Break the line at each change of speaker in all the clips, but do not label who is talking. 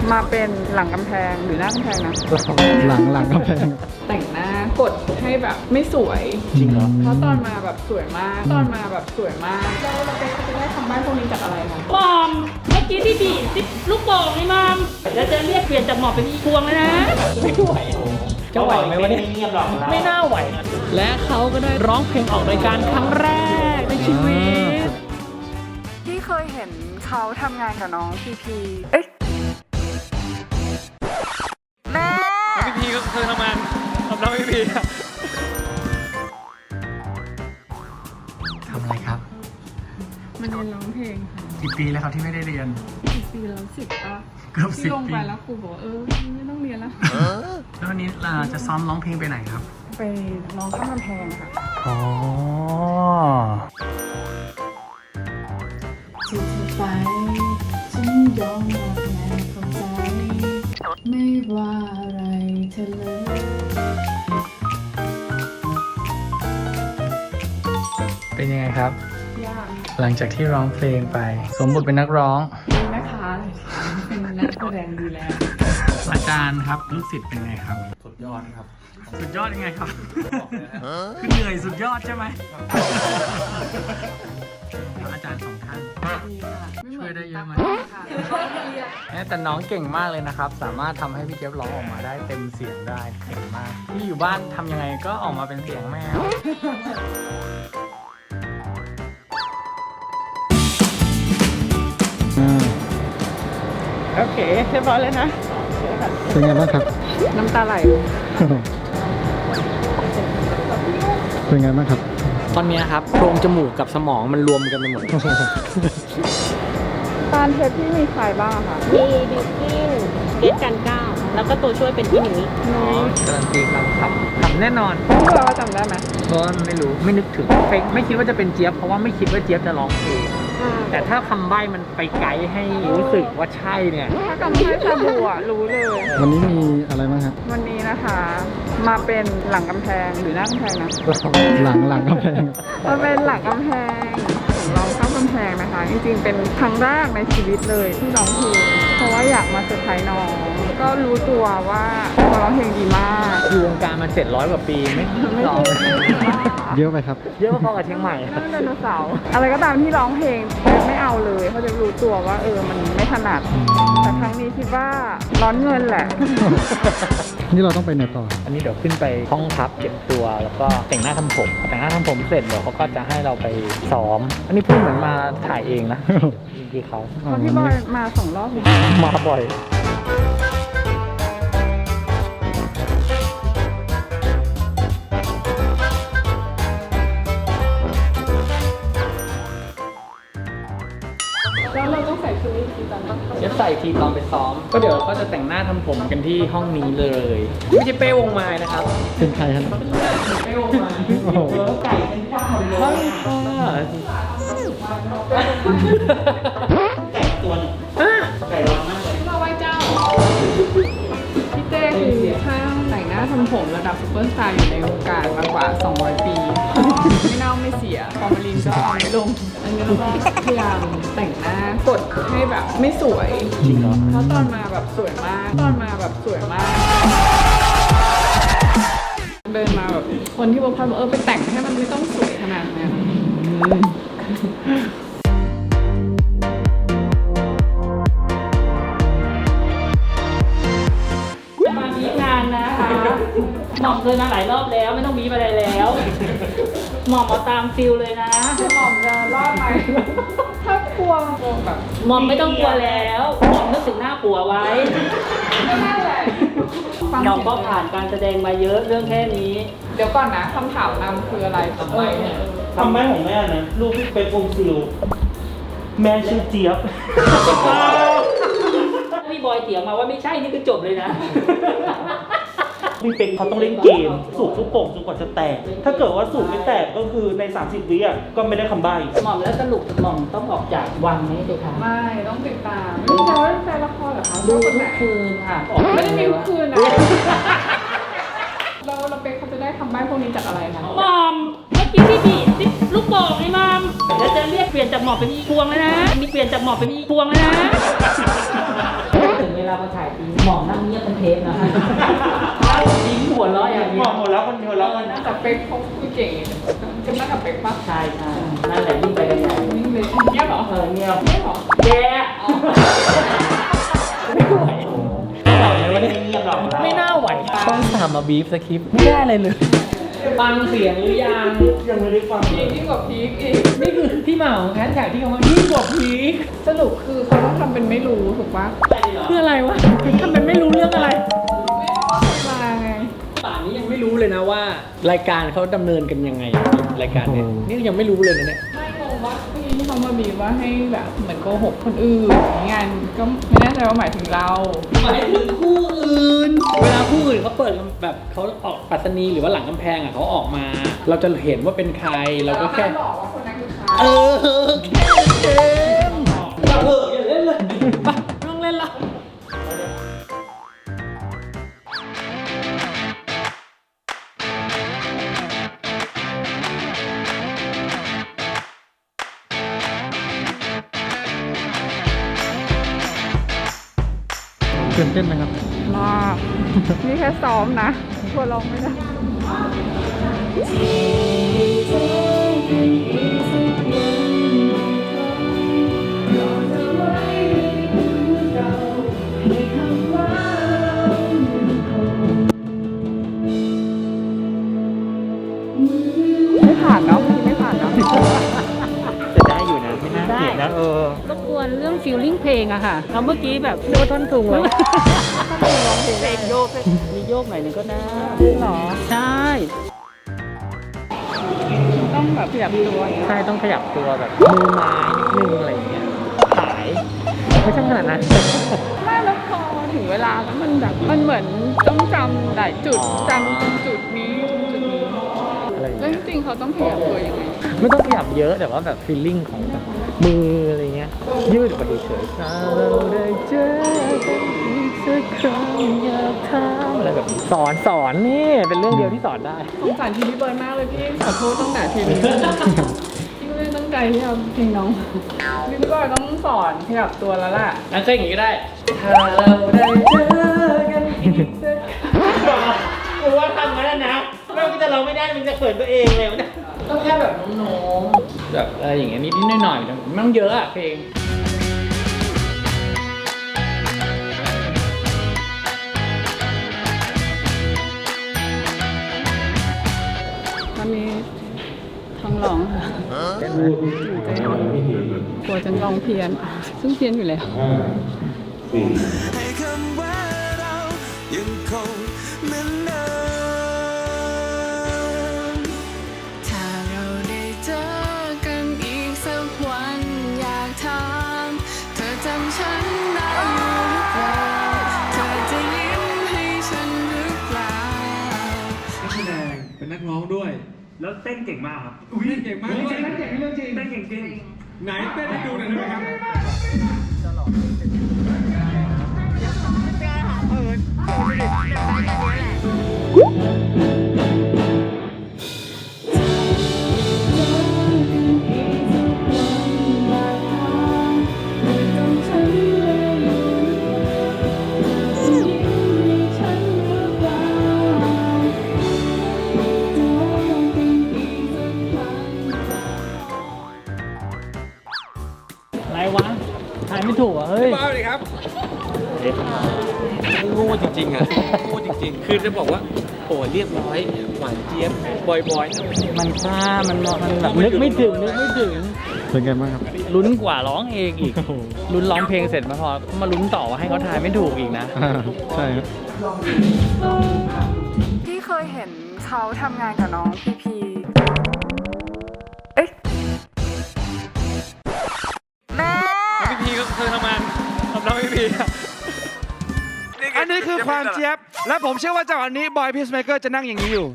มาเป็นหลังกำแพงหรือหน้ากำแพงนะ
หลังกำแพง
แต่งหน้ากดให้แบบไม่สวย
จริงเหรอ
เพราะตอนมาแบบสวยมากแล้วเราไปเขาจะได้ทำบ้านพวกนี้จากอะไรคะ
มอมเมื่อกี้ที่บีบลูกโป่งนี่มอมแล้วจะเรียกเปลี่ยนจากหมอบเป็นพวงเลยนะไม่ไหวจะไหวไหมวะเนี่ยไม่น่าไหวและเขาก็ได้ร้องเพลงออกรายการครั้งแรกในชีวิต
ที่เคยเห็นเขาทำงานกับน้องพีพีเอ๊ะแม่
พี่พีก็เคยทำงานกับน้องพี่พีทำอะไรครับ
มันเรียนร้องเพลงค่ะ
กี่ปีแล้วครับที่ไม่ได้เรียน
กี่ปีแล้ว10 ป่ะ
เกือบ10 ปี
ที่ลงไปแล้วครูบอกไม่ต้องเรียนแล้ว
แล้ววันนี้เราจะซ้อมร้องเพลงไปไหนครับ
ไปร้องข้ามกำแพงค่ะ
อ๋อ
ที่เธอไปฉันยอมรับแม้เข้าใจไม่ว่าอะไรเธอเลย
เป็นยังไงครับ
ยาก
หลังจากที่ร้องเพลงไปสมบทเป็นนักร้อง
เป็นแม่ค้าเป็นนักแสดงดีแล้ว
อาจารย์ครับลูกศิษย์เป็นไงครับ
สุดยอดครับ
สุดยอดยังไงครับคือเหนื่อยสุดยอดใช่ไหมอาจารย์2 ท่านช่วยได้เยอะไหมแต่น้องเก่งมากเลยนะครับสามารถทำให้พี่เจี๊ยบร้องออกมาได้เต็มเสียงได้เก่งมากที่อยู่บ้านทำยังไงก็ออกมาเป็นเสียงแมว
โอเคเรียบร้อยเลยนะ
เป็นไงบ้างครับ
น้ำตาไหล
เป็นไงบ้างครับตอนนี้ครับโพรงจมูกกับสมองมันรวมกันไปหมด
ตอนเทปที่มีใครบ้างคะ
มีบิวกิ้นเกตกันก้าวแล้วก็ตัวช่วยเป็นพี่หนุ่ย
การันตีครับแน่นอน
พวกเราจำได้ไหม
ก็ไม่รู้ไม่นึกถึงไม่คิดว่าจะเป็นเจี๊ยบเพราะว่าไม่คิดว่าเจี๊ยบจะร้องเพลงแต่ถ้าคำใบ้มันไปไกด์ให้รู้สึกว่าใช่เนี่ย
ถ้าคำใบ้ชาบูรู้เลย
วันนี้มีอะไรบ้างครับ
วันนี้นะคะมาเป็นหลังกำแพงหรือหน้ากำแพงนะ
หลังกำแพง
มาเป็นหลังกำแพงผมร้องข้ามกำแพงนะคะจริงๆเป็นครั้งแรกในชีวิตเลยที่ร้องเพลงเพราะว่าอยากมาเซอร์ไพรส์น้องก็รู้ตัวว่าร้องเพลงดีมาก
อยู่วงการมา700 กว่าปีไม่ร้องเยอะไปครับเยอะพอกับเชียงใหม่
นั่งไดโนเสาร์อะไรก็ตามที่ร้องเพลงไม่เอาเลยเขาจะรู้ตัวว่ามันไม่ถนัดแต่ครั้งนี้คิดว่าร้อนเงินแหละ
นี่เราต้องไปไหนต่ออันนี้เดี๋ยวขึ้นไปห้องพักเก็บตัวแล้วก็แต่งหน้าทำผมเสร็จเดี๋ยวเขาก็จะให้เราไปซ้อมอันนี้พูดเหมือนมาถ่ายเองนะคือเขา
พี่บอยมา2 รอบ
มาบ่อย
แล้วเราต้องใส่ชุดนี้ทีตอนต้อง
จะใส่ทีตอนไปซ้อมก็เดี๋ยวก็จะแต่งหน้าทำผมกันที่ห้องนี้เลยไม่ใช่เป้วงไม้นะครับเป็นใครครับ
เป้วงไม้ไก่เป็นข้าวเลย
ไก่ตัวนึงไก่ร้อนมากเลย
มาไหว้เจ้าพี่เต้คือช่างแต่งหน้าทำผมระดับซุปเปอร์สตาร์อยู่ในวงการมากว่า200 ปีไม่เน่าไม่เสียฟอร์มาลินก็เอาไม่ลงอันนี้เราก็พยายามแต่งหน้ากดให้แบบไม่สวย
จริงเหรอ
เพราะตอนมาแบบสวยมากเดินมาแบบคนที่บอกว่าไปแต่งให้มันไม่ต้องสวยขนาดนั้น
มาบีบงานนะคะหม่อมเคยมาหลายรอบแล้วไม่ต้องบีบอะไรแล้วหม่อมเอาตามฟิลเลยนะ
หม่อมจะรอดไหมถ้ากลัวแบบ
หม่อมไม่ต้องกลัวแล้วหม่อมนึกถึงหน้าผัวไว้
นั่นแหละ
หม่อมก็ผ่านการแสดงมาเยอะเรื่องแค่นี้
เดี๋ยวก่อนนะคำถามนำคืออะไรทำไมเนี่ย
ทำไมของแม่นะลูกพี่เป็นองค์ซิลแม่ชื่อเจี๊ยบ
พี่บอยเถียงมาว่าไม่ใช่นี่คือจบเลยนะ
พี่เป็นเขาต้องเล่นเกมสูบลูกโป่งจนกว่าจะแตกถ้าเกิดว่าสูบไม่แตกก็คือใน30 วิก็ไม่ได้คำใบ้
หม่อมแล้วสรุปหม่อมต้องออกจากวังไหมเด็กคะ
ไม่ต้องติดตามไม่ใช่ว่าแฟนละครเหรอคะ
ดูทุกคืนค่ะ
ไม่ได้มีทุกคืนนะเราเป็นเขาจะได้ทำใบ้พวกนี้จากอะไรคะ
หม่อมเมื่อกี้ที่บีบลูกโป่งนี่หม่อมแล้วจะเรียกเปลี่ยนจากหม่อมเป็นพวงแล้วนะมีเปลี่ยนจากหม่อมเป็นพวงแล้วนะถึงเวลาลาไปถ่ายจริงหมองนั่งเงียบเป็นเทปนะยิ้มหัวเราะอย่าง
ห
เดี
ม
ย
อ
ว
กหมดแล้วคนเดียวแล้วมัน
แต่เป๊กเขาคุยเก่งจะมากับเป๊กปะ
ใช่ใช่นั่นแหละยิ่งไปกันใหญ่
นี่เลยเงียบเหรอ
เงียบ
เงียบเหรอ
แย่ไม่ไหว
ไม่ได้เงียบหรอก
ไม่น่าไหวช่อง3มาบีฟสคริปต์ไม่ได้อะไรเลยฟังเสียงหรือยัง
ยังไม่ได้ฟัง
ยิ่งกว่าพีคอีก
นี่คือที่มาของแฮชแท็กที่เขาว่ายิ่งกว่าพีค
สรุปคือเขาต้องทำเป็นไม่รู้ถูกปะ
คืออะไรวะทำเป็นไม่รู้เรื่องอะไร
มาไง
ป่านนี้ยังไม่รู้เลยนะว่า รายการเขาดำเนินกันยังไงรายการเนี้ยนี่ยังไม่รู้เลยนะเนี่ย
ไม่งงว่าเมื่อกี้ที่เขามาบีบว่าให้แบบเหมือนโกหกคนอื่นงานก็ไม่แน่ใจว่าหมายถึงเรา
หมายถึงคู่อื่น เวลาคู่อื่นเขาเปิดแบบเขาออกปัสนีหรือว่าหลังกำแพงอ่ะเขาออกมา เราจะเห็นว่าเป็นใครเราก็แค่
บอกว่าคนนั้นคือใคร
เออเกมอย่าเถอะอย่าเล่นเลยไปไม่ต้องเล่นละ
ตื่นเต้นไหมครับ
มากนี่แค่ซ้อมนะกลัวร้องไม่ได้ ไม่ผ่านเนาะไม่ผ่านเนาะ
จะได้อยู่นะไม่น่าเกลียดนะ
รบกวนเรื่องฟีลลิ่งเพลงอะค่ะเราเมื่อกี้แบบโดนท่อนสูงแล้วร้องเพลงโยกมีโยกหน่อยหนึงก็ได้
หรอ
ใช่
ต้องแบบขยับตัวอย่างเงี้ย
ใช่ต้องขยับตัวแบบมือไม้นิดนึงอะไรอย่างเงี้ยขายไม่ใช่ขนาดนั้น
ไม่แล้วพอถึงเวลาแล้วมันแบบมันเหมือนต้องจำหลายจุดจำจุดนี้จุดนี้
อะไรอย่าง
แล้
เงี้
วย จริงๆเขาต้องขยับตัวยังไง
ไม่ต้องขยับเยอะแต่ว่าแบบฟีลลิ่งของแบบมืออะไรเงี้ยยืดออกไปเฉยๆถ้าเราได้เจอกันอีกสักครั้งอยากถามอะไรแบบนี้สอนนี่เป็นเรื่องเดียวที่สอนได้
สงสารทีพี่เบิร์ดมากเลยพี่ขอโทษตั้งแต่ทีนี้พี่ไม่ได้ตั้งใจที่จะเพลงน้องพี่เบิร์ดต้องสอนขยับตัวแล้วล่ะ
นั่นก็อย่างงี้ก็ได้ถ้าเราได้เจอกันอีกสักครั้ง
กูว่าทำงั้นนะไม่ว่าจะเราไม่ได้มันจะเขินตัวเองเลยนะ
ต้องแค่แบบโน้มๆแบบอะไรอย่างเงี้ยนิดๆหน่อยๆไม่ต้องเยอะอะเพลง
ตอนนี้ท้องร้องค่ะกลัวจะร้องเพี้ยน ซึ่งเพี้ยนอยู่แล้ว
ให้คำว่าเรายังคงเหมือนเดิมถ้าเราได้เจอกันอีกสักวันอยากถามเธอจำฉันได้อยู่หรือเปล่าเธอจะยิ้มให้ฉันหรือเปล่า
นักแสดงเป็นนักร้องด้วย
แล้วเต้นเก่งมากครับ
อุ้ยเก่งมากเต้นเก่งเรื่องจริง
เต้นเก่งจริง
ไหนเต้นให้ดูหน่อยได้ไหมครับ
อะไรวะทายไม่ถูกอ่ะเฮ้ย
มาเลยครับโง่จริงๆอ่ะโง่จริงๆ คือจะบอกว่าโอ้เรียบร้อยหวานเจี๊ยบบอยๆ
มันซ่ามันแบบนึกไม่ถึง
เป็นไงบ้างครับ
ลุ้นกว่าร้องเองอีกลุ้นร้องเพลงเสร็จมาพอมาลุ้นต่อว่าให้เขาทายไม่ถูกอีกนะ
ใช่ครับ
พี่เคยเห็นเขาทำงานกับน้องพีพีเอ๊ะแม่
พี่พีก็เคยทำงานกับน้องพี่พี
อันนี้คือความเจี๊ยบ และผมเชื่อว่าจังหวะนี้บอยพีซเมเกอร์จะนั่งอย่างนี้อยู่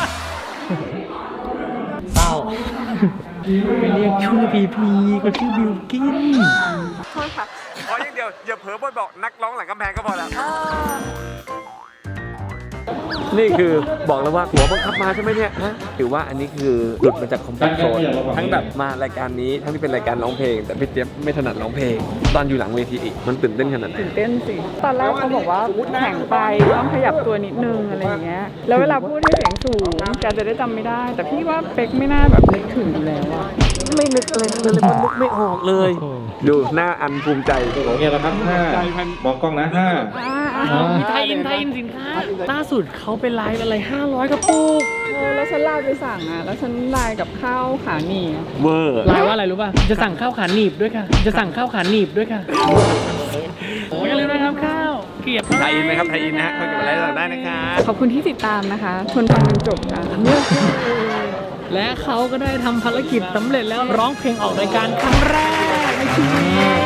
เศร้าไปเรียกชื่อพีพีก็ชื่อบิวกิน
โทษค่ะ
ขออย่างเดียว อย่าเผลอบอกนักร้องหลังกำแพงก็พอแล้ว
ค
นี่คือบอกแล้วว่าหัวบังคับมาใช่ไหมเนี่ยฮะถือว่าอันนี้คือหลุดมาจากคอมฟอร์ตโซนทั้งแบบมารายการนี้ทั้งที่เป็นรายการร้องเพลง แต่พี่เจี๊ยบไม่ถนัดร้องเพลง ตอนอยู่หลังเวทีอีกมันตื่นเต้นขนาดไหน
ตื่นเต้นสิ ตอนแรกเขาบอกว่าแข็งไปต้องขยับตัวนิดนึงอะไรอย่างเงี้ย แล้วเวลาพูดให้เสียงสูงแกจะได้จำไม่ได้ แต่พี่ว่าเป๊กไม่น่าแบบนึกถึงอยู่แล้วอะ
ไม่นึกอะไรเลยมันนึกไม่ออกเลย ดูหน้าอันภูมิใจ
ของเฮียแล้วครับ5มองกล้องนะ5
มีไทยอินสินค้าล่าสุดเขาไปไลฟ์อะไร 500 กระปุก
แล้วฉันไลน์ไปสั่งอะแล้วฉันไลน์กับข้าวขาหนีอะ
เวอร์
ไลฟ์ว่าอะไรรู้ป่ะ จะสั่งข้าวขาหนีบด้วยค่ะ จะสั่งข้าวขาหนีบด้วยค่ะโอ้ยอย่าลืมนะครับข้าวเกลียบ
ไทยอินไหมครับไทยอินนะฮะเขาเก็บอะไรต่างได้นะครับ
ขอบคุณที่ติดตามนะคะทนฟังจนจบค่ะ
และเขาก็ได้ทำภารกิจสำเร็จแล้วร้องเพลงออกรายการครั้งแรกในชีวิต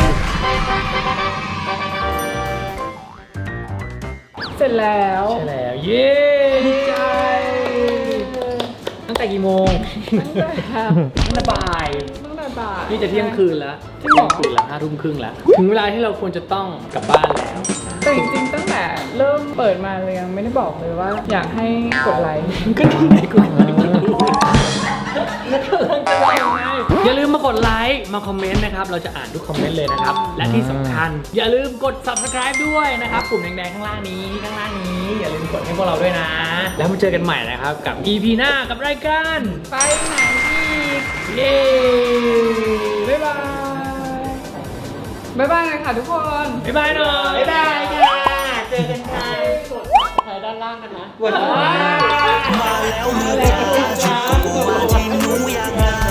เสร็จแล้ว
ใช่แล้ว เย้ดีใจ ตั้งแต่กี่โมง ตั้งแต่บ่าย
ตั้งแต่บ่าย
นี่จะเที่ยงคืนแล้วเที่ยงคืนแล้ว5 ทุ่มครึ่งแล้ว ถึงเวลาที่เราควรจะต้องกลับบ้านแล้ว
แต่จริงๆตั้งแต่เริ่มเปิดมาเลยยังไม่ได้บอกเลยว่าอยากให้กดไลค์
ก็ดีไงกูอย่าลืมมากดไลค์มาคอมเมนต์นะครับ เราจะอ่านทุกคอมเมนต์เลยนะครับ และที่สำคัญ อย่าลืมกด subscribe ด้วยนะครับปุ่มแดงๆข้างล่างนี้อย่าลืมกดให้พวกเราด้วยนะ แล้วมาเจอกันใหม่นะครับกับ EP หน้ากับรายการ
ไปไหนอีก
เย้
บ๊ายบาย บ๊ายบายเลยค่ะทุกคน
บ๊ายบายหน่อย
บ๊ายบายค่ะเจอกันค่ะ
ใครด้านล่างกันนะ
มาแล้ว
มาที่หนูอยากมา